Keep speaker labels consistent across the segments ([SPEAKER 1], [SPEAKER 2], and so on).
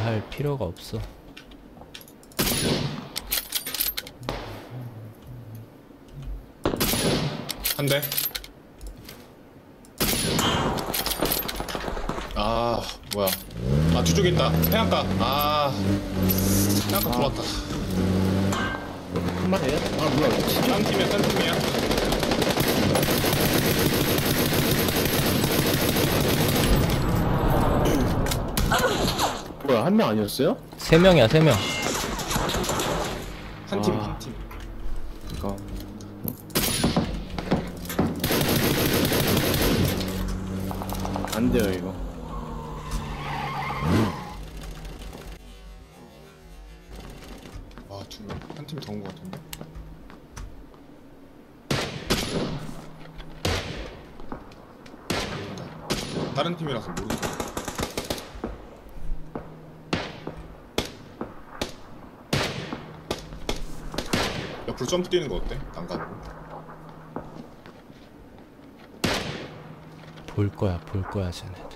[SPEAKER 1] 할 필요가 없어.
[SPEAKER 2] 한 대. 아 뭐야? 아 뒤쪽에 있다. 해안가. 아 해안가 들어왔다.
[SPEAKER 3] 한 마리야? 아 뭐야
[SPEAKER 2] 딴 팀이야, 딴 팀이야.
[SPEAKER 3] 뭐야 한 명 아니었어요?
[SPEAKER 1] 3명이야 3명.
[SPEAKER 2] 한 팀,
[SPEAKER 3] 아.
[SPEAKER 2] 한 팀.
[SPEAKER 3] 이거 안 돼요 이거.
[SPEAKER 2] 와, 두 명. 한 팀이 더 온 것 같은데. 모른다. 다른 팀이라서 모르겠어. 옆으로 점프 뛰는 거 어때? 난간으로.
[SPEAKER 1] 볼 거야 쟤네들.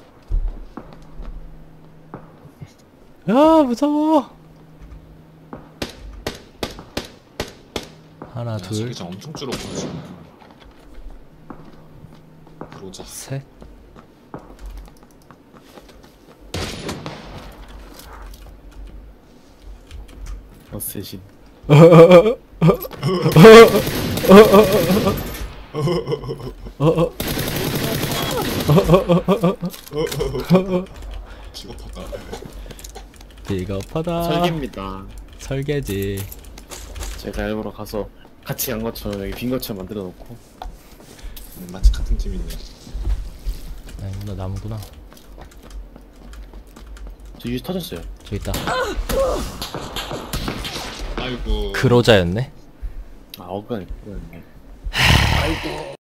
[SPEAKER 1] 야 무서워. 하나
[SPEAKER 2] 야,
[SPEAKER 1] 둘
[SPEAKER 2] 자기장 엄청 줄었구나 지금. 그러자.
[SPEAKER 1] 셋.
[SPEAKER 3] 셋이.
[SPEAKER 2] 비겁하다.
[SPEAKER 1] 비겁하다.
[SPEAKER 3] 설계입니다.
[SPEAKER 1] 설계지.
[SPEAKER 3] 제가 일부러 가서 같이 간 것처럼 여기 빈 것처럼 만들어 놓고.
[SPEAKER 2] 마치 같은 팀이네.
[SPEAKER 1] 아니구나 나무구나.
[SPEAKER 3] 저 유지 터졌어요.
[SPEAKER 1] 저기 있다.
[SPEAKER 2] 아이고.
[SPEAKER 1] 그로자였네.
[SPEAKER 3] 아 어그네. 아이고.